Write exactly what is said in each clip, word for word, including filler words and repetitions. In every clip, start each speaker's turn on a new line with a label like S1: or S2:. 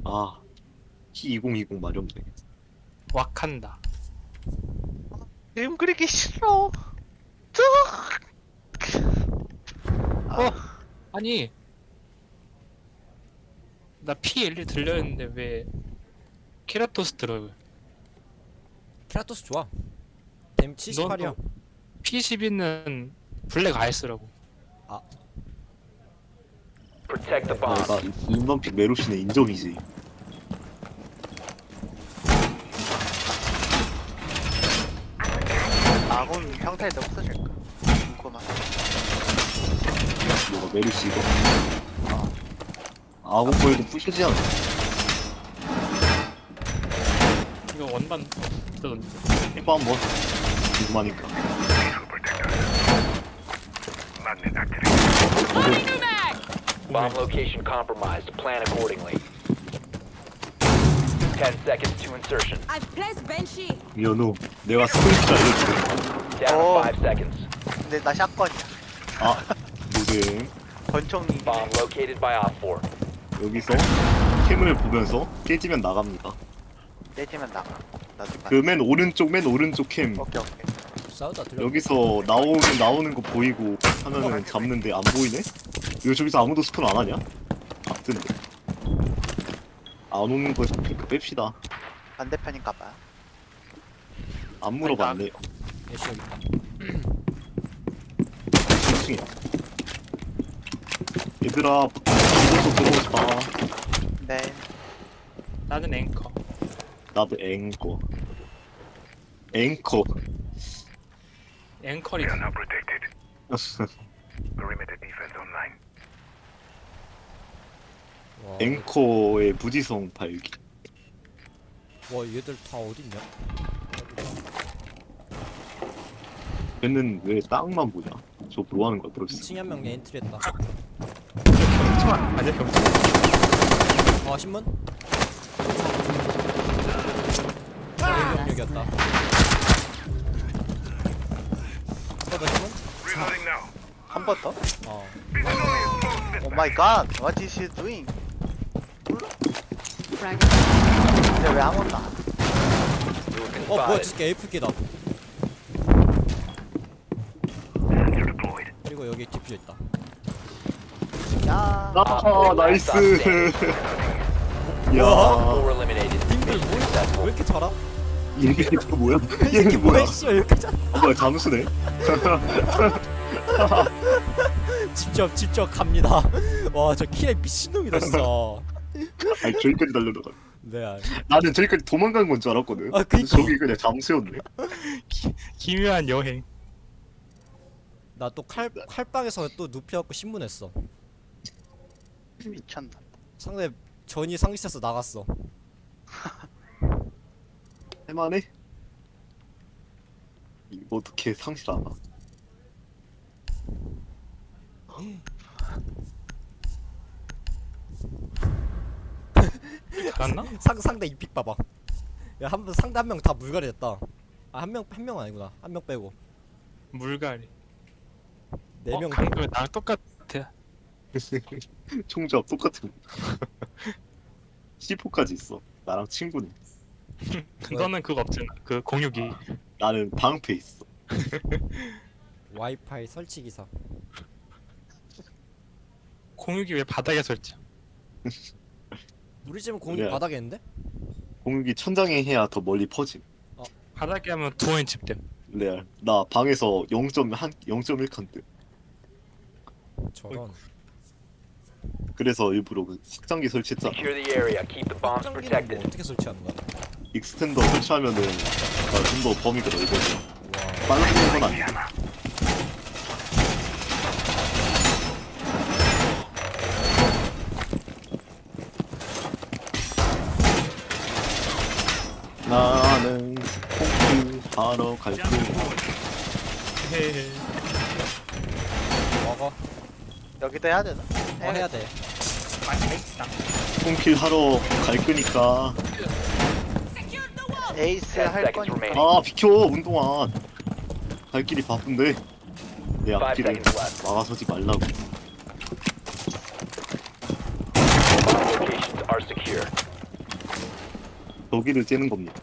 S1: 아, 키 이천이십 마렵네.
S2: 왁한다.
S3: 그림 그리기 싫어. 뚝. 아,
S2: 어? 아니 나 피 일 일 들려있는데 왜 케라토스 들어요?
S4: 케라토스 좋아. 댐 칠십팔이야.
S2: 피 십이는 블랙 아이스라고.
S5: Protect the bomb.
S1: 내가 인번픽 메로시는 인정이지.
S3: 아군 형태도 없어질까? 궁금하다.
S1: 뭐가 메로시 이거. 아, 아군 보여도 부셔지 않아.
S2: 이거 원반 뜯었는데.
S1: 해봐 한번. 궁금하니까.
S5: Bomb location compromised. Plan accordingly. Ten seconds to insertion.
S6: I've placed Banshee.
S1: 연우, 내가 스포츠 알려줄게.
S5: Down to
S3: Oh.
S5: five seconds.
S3: 근데 나 샷건이야.
S1: 아, 노잼.
S3: 권총이.
S5: Bomb located by Op four.
S1: 여기서 캠을 보면서 깨지면 나갑니다.
S3: 내지면 나가. 나도 가.
S1: 그 맨 오른쪽 맨 오른쪽 캠
S3: 오케이 오케이.
S4: 싸우다 들려.
S1: 여기서 나오는 나오는 거 보이고 하면은 잡는데 안 보이네? 이거 저기서 아무도 스폰 안 하냐? 같은데. 안 오는 거 핑크 뺍시다.
S3: 반대편인가 봐.
S1: 안 물어봤네.
S4: 애쉬 여기 있다.
S1: 일 층이야. 얘들아, 이것도 들어오고 싶다.
S3: 네.
S2: 나는 앵커.
S1: 나도 앵커. 앵커.
S2: 앵커리.
S4: 와,
S1: 앵커의 무지성 발기.
S4: 와 얘들 다 어딨냐?
S1: 걔는 왜 땅만 보냐? 저 뭐 하는 거야, 브로스?
S4: 이 층에 한 명 엔트리했다.
S2: 경찰 아니야 경찰.
S4: 아 신문? 여기였다. 한번더 신문?
S3: 한 번 더?
S4: 어.
S3: 오 마이 갓. What is he doing?
S6: Frag.
S3: 근데 왜 아무것도 안 해?
S5: You've been
S4: 어 뭐야
S5: spotted.
S4: 저게 에이프기다. 그리고 여기 디퓨저 있다.
S3: 야.
S1: 아, 나이스. 야,
S5: Four eliminated.
S4: 님들
S5: Mission
S4: 뭐, 왜
S5: successful.
S4: 이렇게 잘함?
S1: 이게 또 뭐야?
S4: 이
S1: 얘는
S4: 새끼
S1: 뭐야?
S4: 뭐야 씨발 이렇게 잘.
S1: 아, 뭐야, 잠수네?
S4: 직접 직접 갑니다. 와 저 키에 미친놈이다 진짜.
S1: 아니, 저기까지 달려들어.
S4: 네. 알-
S1: 나는 저기까지 도망간 건 줄 알았거든.
S4: 아,
S1: 근데
S4: 그니까.
S1: 저기 그냥 잠수였네.
S2: 기묘한 여행.
S4: 나 또 칼 칼빵에서 또 눕혀갖고 신문했어.
S3: 미쳤나.
S4: 상대 전이 상기해서 나갔어.
S1: 할만해? 이거 어떻게 상실 안 하?
S2: 잘았나?
S4: 상 상대 이픽 봐봐. 야한 번 상대 한 명 다 물갈이 됐다. 아 한 명 한 명 아니구나. 한 명 빼고
S2: 물갈이.
S4: 네 명.
S2: 어, 강도 나랑 똑같아.
S1: 총잡 똑같은 거. 씨포까지 있어. 나랑 친구네.
S2: 너는 그거 없잖아. 그 공유기.
S1: 나는 방패 있어.
S4: 와이파이 설치 기사.
S2: 공유기 왜 바닥에 설치?
S4: 우리 집은 공유
S1: 그래.
S4: 바닥에 있는데?
S1: 공격이 천장에 해야 더 멀리 퍼짐.
S2: 바닥에 하면 두원인 집됨.
S1: 레알. 나 방에서 영 점 일 칸대.
S4: 저런.
S1: 그래서 일부러 그 확장기 설치했잖아.
S5: Secure the area. Keep the bombs
S4: 확장기는 뭐
S5: protected.
S4: 어떻게 설치하는 거야?
S1: 익스텐더 설치하면은 좀 더 범위가 넓어져.
S4: 와.
S1: 빨라지는 건 아니야. 나는 콩쿠 하러 갈 거야.
S2: 헤헤.
S4: 먹어.
S3: 여기도 해야 되나?
S4: 어 해야 돼.
S2: 맛있다.
S1: 콩킬 하러 갈 거니까.
S3: 에이스
S5: Ten
S3: 할
S5: seconds
S3: 거니까.
S5: remaining.
S1: 아 비켜 운동안. 갈 길이 바쁜데 내
S5: Five
S1: 앞길을
S5: seconds left.
S1: 막아서지 말라고.
S5: Bomb locations are secure.
S1: 저기를 째는 겁니다.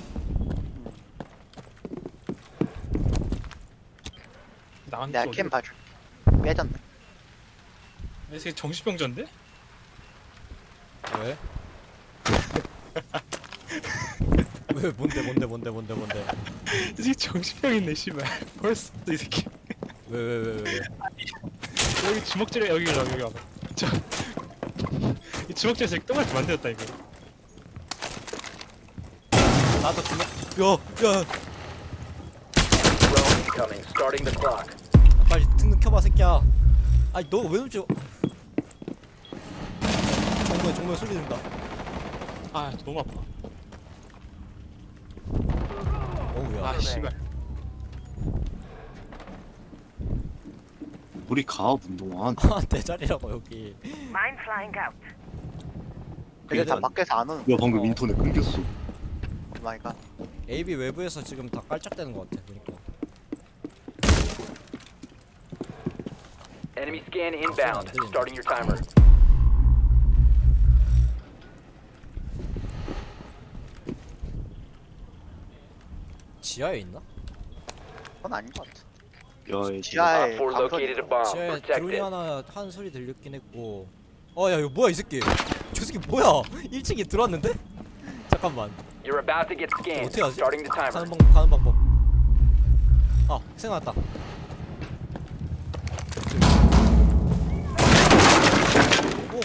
S2: 나한테
S3: 내가
S2: 어디?
S3: 캠 봐줄. 빼졌네.
S2: 내 새끼 정신병자인데?
S4: 왜? 왜 뭔데 뭔데 뭔데 뭔데 뭔데?
S2: 이 새끼 정신병 있네 씨발. 벌써 이 새끼.
S4: 왜 왜 왜 왜? 왜?
S2: 여기 주먹질에 여기 여기 여기 와봐. 저. 이 주먹질 새끼 똥을 만들었다 이거.
S4: 나도 주먹. 야, 야,
S5: Drone incoming. Starting the clock.
S4: 빨리 등등 켜봐 새끼야. 아니 너 왜 놈지? 정말 정말 소리 든다.
S2: 아 너무 아파.
S4: 어우야.
S2: 아 씨발.
S1: 우리 가 운동한.
S4: 아내 자리라고 여기.
S6: Mine flying out.
S3: 근데 다
S1: 그러니까-
S3: 밖에서 안 오는.
S1: 야 방금
S4: 어.
S1: 인터넷 끊겼어.
S3: 오 마이 갓.
S4: 에이비 외부에서 지금 다 깔짝대는 것 같아. 그러니까.
S5: Enemy scan inbound. Starting your timer.
S4: 지하에 있나?
S3: 그건 아닌 것 같아.
S1: 야 이제
S3: 지하에
S5: Op four located a bomb.
S4: 지하에
S5: Protect
S4: 드론이
S5: it.
S4: 하나 한 소리 들렸긴 했고. 어야 이거 뭐야 이 새끼? 저 새끼 뭐야? 일 층에 들어왔는데? 잠깐만.
S5: You're about to get scanned.
S4: 어떻게 하지?
S5: Starting the timer.
S4: 가는 방법 가는 방법. 아 생각났다. 오.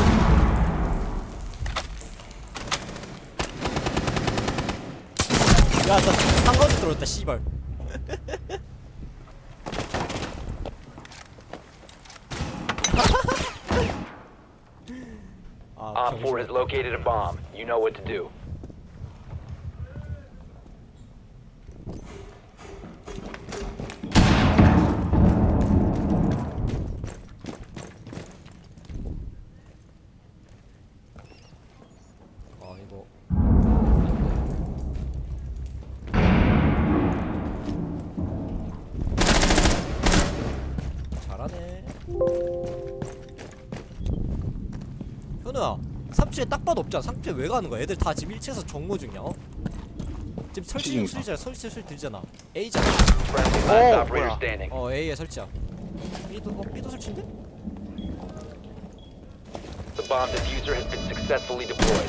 S4: 야, 나 한가운데 들어왔다, 씨발. 아,
S5: Op four has located a bomb. You know what to do.
S4: 아, 이거. 잘하네. 현우야, 삼 층에 딱 봐도 없잖아. 삼 층에 왜 가는 거야? 애들 다 지금 일 층에서 정모 중이야. 어? 지금 설치 중
S1: 치즈인가?
S4: 수리잖아. 설치 소리 들잖아. A잖아.
S5: Friendly
S3: Oh,
S5: last operator
S3: 뭐야.
S5: standing.
S4: 어, A에 설치야. B도 어, B도 설치인데?
S5: The bomb diffuser has been successfully deployed.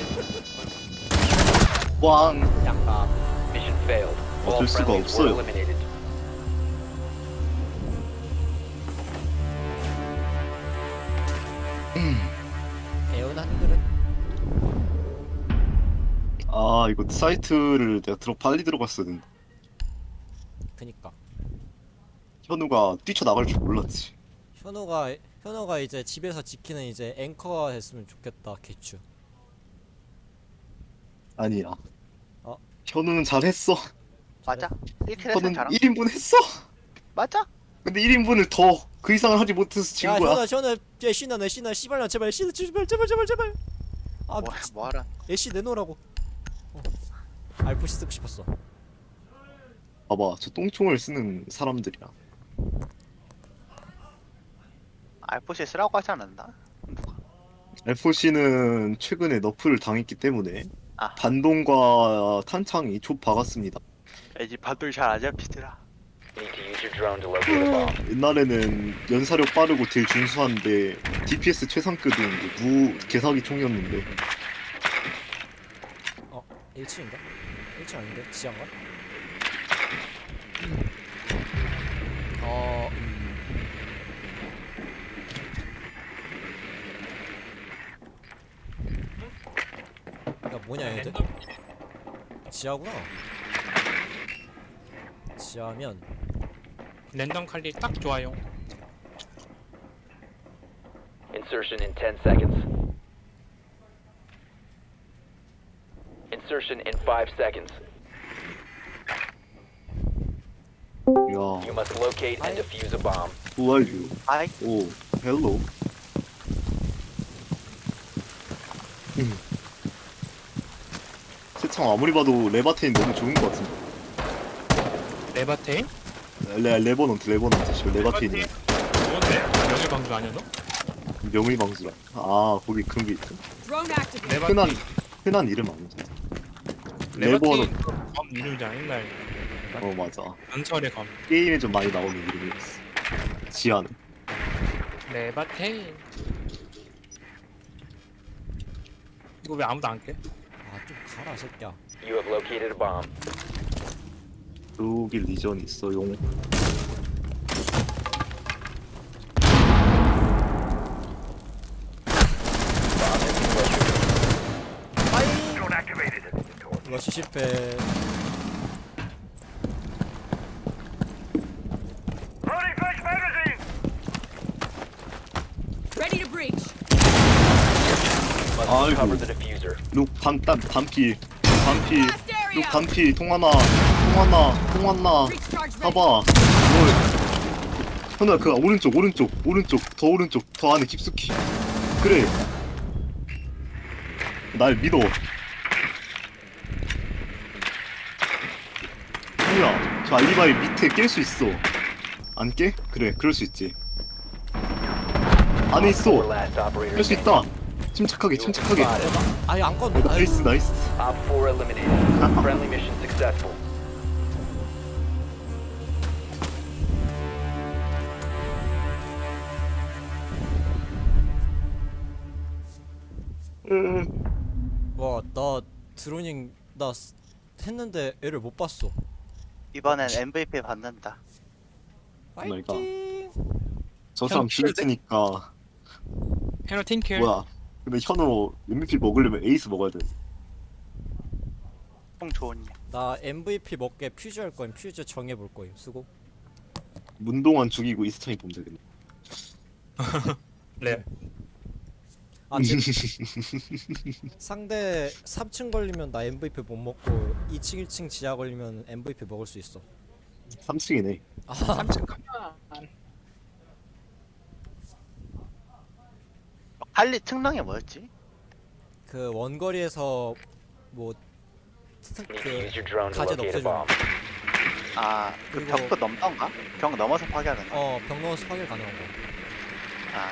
S1: 왕.
S4: 양가.
S5: Mission failed. All
S1: 어쩔 수가
S5: friendlies were
S1: 없어요.
S5: eliminated.
S4: 애원 한글은
S1: 아 이거 사이트를 내가 들어 빨리 들어갔어야 되는데
S4: 그니까.
S1: 현우가 뛰쳐나갈 줄 몰랐지.
S4: 현호가 현호가 이제 집에서 지키는 이제 앵커가 됐으면 좋겠다. 개추.
S1: 아니야.
S4: 어?
S1: 현우는 잘했어.
S3: 맞아. 일 킬 했으면
S1: 현우는
S3: 잘한.
S1: 일 인분 했어.
S3: 맞아.
S1: 근데 일 인분을 더 그 이상을 하지 못해서 진
S4: 야
S1: 거야.
S4: 현호 현호 야 신나 내 신나 씨발나 제발 신나 제발 제발 제발 제발. 아
S3: 뭐 뭐하라.
S4: 애쉬 내놓으라고. 어. 알프시 쓰고 싶었어.
S1: 봐봐 저 똥총을 쓰는 사람들이야.
S3: 알포시 쓰라고 하지 않았나?
S1: 에프오씨는 최근에 너프를 당했기 때문에
S3: 아.
S1: 반동과 탄창이 좁 박았습니다.
S3: 애지 반돌 잘안 잡히더라.
S5: You need to use your drone to locate a bomb.
S1: 옛날에는 연사력 빠르고 딜 준수한데 디피에스 최상급인 무 개사기 총이었는데
S4: 어 일 층인가? 일 층 아닌데 지하인가? 어. 음. 야 뭐냐 얘들? 지하구나. 지하면
S2: 랜덤 칼리 딱 좋아요.
S5: Insertion in ten seconds. Insertion in five seconds.
S1: 야
S5: You must locate and defuse a bomb.
S1: who are you?
S3: 아이.
S1: 오 헬로. 음. 세창 아무리 봐도 레바테인 너무 좋은 것 같은데.
S2: 레바테인?
S1: 레 레버넌트 레버넌트 지금 레바테인이
S2: 뭔데? 명예방주 아니야 너?
S1: 명의방수라. 아 거기 그런 게 있어?
S2: 레바테인.
S1: 흔한 흔한 이름 아니잖아. 레버는
S2: 레버티 검 이름이잖아 옛날
S1: 어 맞아.
S2: 전설의 검.
S1: 게임에 좀 많이 나오는 이름이었어. 지하는.
S2: 레바테인. 이거 왜 아무도 안 깨?
S4: 아좀 가라 새끼야.
S5: You have located a bomb.
S1: 여기 리전 있어요.
S5: Bomb has been located.
S4: 빠이. 이거 실패.
S6: Ready to breach.
S5: Must
S1: 아이고.
S5: recover the diffuser.
S1: 룩 반땀 반피 반피
S6: Blast
S1: 룩
S6: area.
S1: 반피 통하나 통하나 통하나
S6: Breach charge ready.
S1: 봐봐 너 현아 그 오른쪽 오른쪽 오른쪽 더 오른쪽 더 안에 깊숙이 그래 날 믿어 현우야 저 알리바이 밑에 깰 수 있어 안 깨? 그래 그럴 수 있지 안에
S5: Four
S1: 있어
S5: last operator
S1: 할 수
S5: standing.
S1: 있다 침착하게 침착하게
S4: 아예 안 껐네.
S1: 어, 나이스 나이스
S5: Op four eliminated. Friendly mission successful.
S4: 와나 드로닝 나 쓰- 했는데 애를 못 봤어.
S3: 이번엔 엠브이피 받는다.
S1: 오마이갓.
S4: 파이팅.
S1: 저 사람
S2: 형,
S1: 죽였으니까
S2: 헤너 팅킬.
S1: 뭐야 근데 현우 엠브이피 먹으려면 에이스 먹어야 돼
S3: 총 좋은 일.
S4: 나 엠브이피 먹게 퓨즈 할 거임. 퓨즈 정해 볼 거임. 수고.
S1: 문동환 죽이고 이스턴이 보면 되겠네
S2: 레.
S4: 아 지금 상대 삼 층 걸리면 나 엠브이피 못 먹고 이 층 일 층 지하 걸리면 엠브이피 먹을 수 있어.
S1: 삼 층이네
S2: 삼층 가면.
S3: 할리 특능이 뭐였지?
S4: 그 원거리에서 뭐
S5: Need to
S4: 그
S5: use your drone to
S4: 가젯
S5: locate a
S4: 없애주는
S5: bomb.
S3: 아, 그
S4: 그리고-
S3: 벽도 넘던가? 벽 넘어서 파괴하는 거.
S4: 어병 넣어서 파괴 가능한 거.
S3: 아,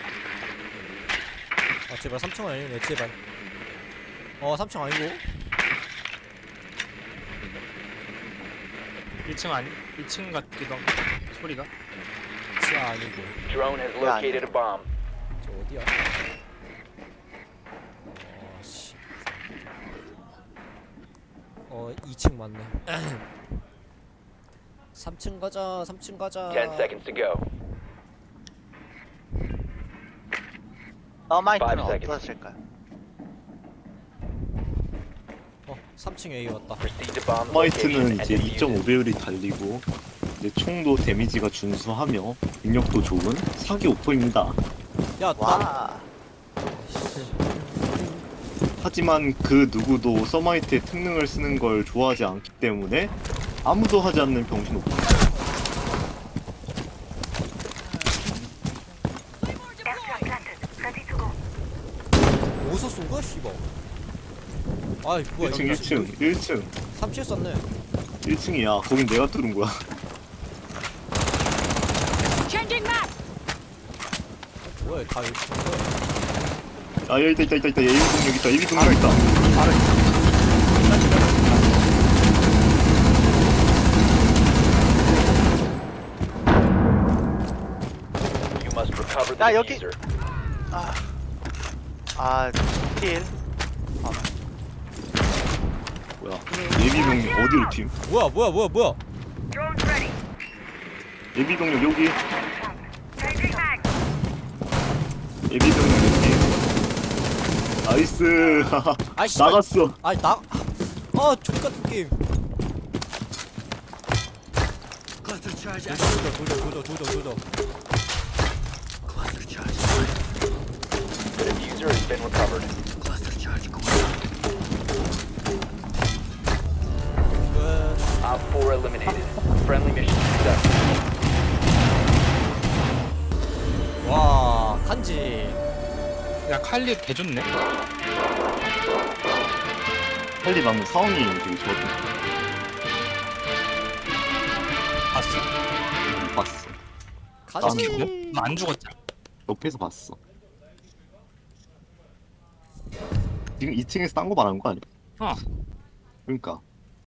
S4: 아 제발 삼 층 아니네 제발. 어 삼 층 아니고.
S2: 일 층 아니? 일 층 같기도 하고 소리가.
S4: 지하 아니고.
S5: Drone has
S3: Yeah, I
S5: located a bomb.
S4: 저 어디야? 어씨. 어 이 층 맞네. 삼 층 가자. 삼 층 가자.
S5: Ten seconds to go.
S3: 서마이트는
S5: Five seconds.
S3: 어떠실까요?
S4: 어 삼 층 A 왔다.
S5: Proceed to bomb location
S1: 화이트는
S5: and
S1: 이제
S5: defuse
S1: 이 점 오
S5: it.
S1: 배율이 달리고 이제 총도 데미지가 준수하며 능력도 좋은 사기 오퍼입니다
S4: 야 나.
S3: 와,
S1: 하지만 그 누구도 서마이트의 특능을 쓰는 걸 좋아하지 않기 때문에 아무도 하지 않는 병신 오퍼
S4: 어디서 쏜 거야 씨발. 아이 뭐야
S1: 일 층 일 층 일 층
S4: 삼 층 쐈네.
S1: 일 층이야 거긴 내가 뚫은 거야
S6: Changing map.
S4: 뭐야 다 여기 쏜 거야.
S1: 아 여기 있다 있다 있다 있다 예비 동력 있다 예비 동력 있다
S5: You must recover the
S3: 야, 여기-
S5: diffuser.
S3: 아, 아, 킬.
S1: 뭐야 예비 병력 어디로 팀
S4: 뭐야 뭐야 뭐야 뭐야.
S1: 예비 병력 여기 예비 병력 여기 나이스
S4: 아이 씨발.
S1: 나갔어
S4: 아니 나. 아 족같은 게임. 조져 조져 조져 조져 조져.
S5: The diffuser has been recovered.
S4: 끝.
S5: Op four eliminated. Friendly mission successful.
S4: 와 간지.
S2: 야 칼리 개 좋네.
S1: 할리 방금 상황이 되게 좋았던
S2: 봤어?
S1: 거 봤어
S4: 가지.
S2: 너 안 죽었잖아.
S1: 옆에서 봤어 지금 이 층에서 딴 거 말하는 거 아니야?
S2: 어.
S1: 그러니까